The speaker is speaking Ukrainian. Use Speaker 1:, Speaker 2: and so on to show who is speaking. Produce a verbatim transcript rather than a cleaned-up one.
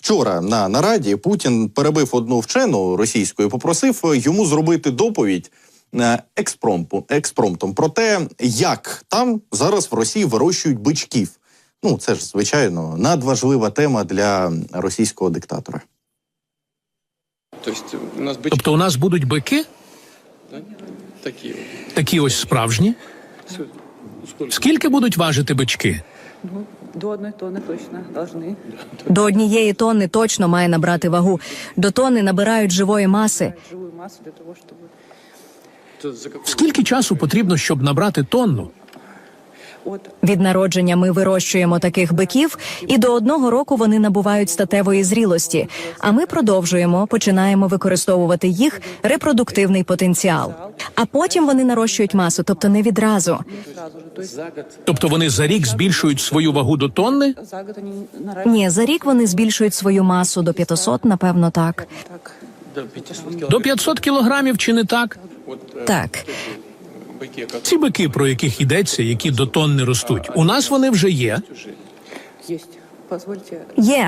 Speaker 1: вчора на нараді Путін перебив одну вчену російську і попросив йому зробити доповідь експромтом, експромтом про те, як там зараз в Росії вирощують бичків. Ну, це ж, звичайно, надважлива тема для російського диктатора.
Speaker 2: Тобто у нас будуть бики? Такі ось справжні? Скільки будуть важити бички?
Speaker 3: До одної тонни точно должны.
Speaker 4: До однієї тонни точно має набрати вагу. До тонни набирають живої маси.
Speaker 3: Живую массу для того, чтобы...
Speaker 2: Скільки часу потрібно, щоб набрати тонну?
Speaker 3: От
Speaker 4: Від народження ми вирощуємо таких биків, і до одного року вони набувають статевої зрілості. А ми продовжуємо, починаємо використовувати їх репродуктивний потенціал. А потім вони нарощують масу, тобто не відразу.
Speaker 3: сразу же. То есть
Speaker 2: Тобто вони за рік збільшують свою вагу до тонни?
Speaker 3: за год они наращивают
Speaker 4: Ні, за рік вони збільшують свою масу до п'ятисот, напевно, так.
Speaker 3: так.
Speaker 2: До п'ятсот кілограмів чи не так?
Speaker 4: Так.
Speaker 2: Ці бики, про яких йдеться, які до тонни ростуть, у нас вони вже є.
Speaker 3: Есть. Позвольте.
Speaker 4: Є.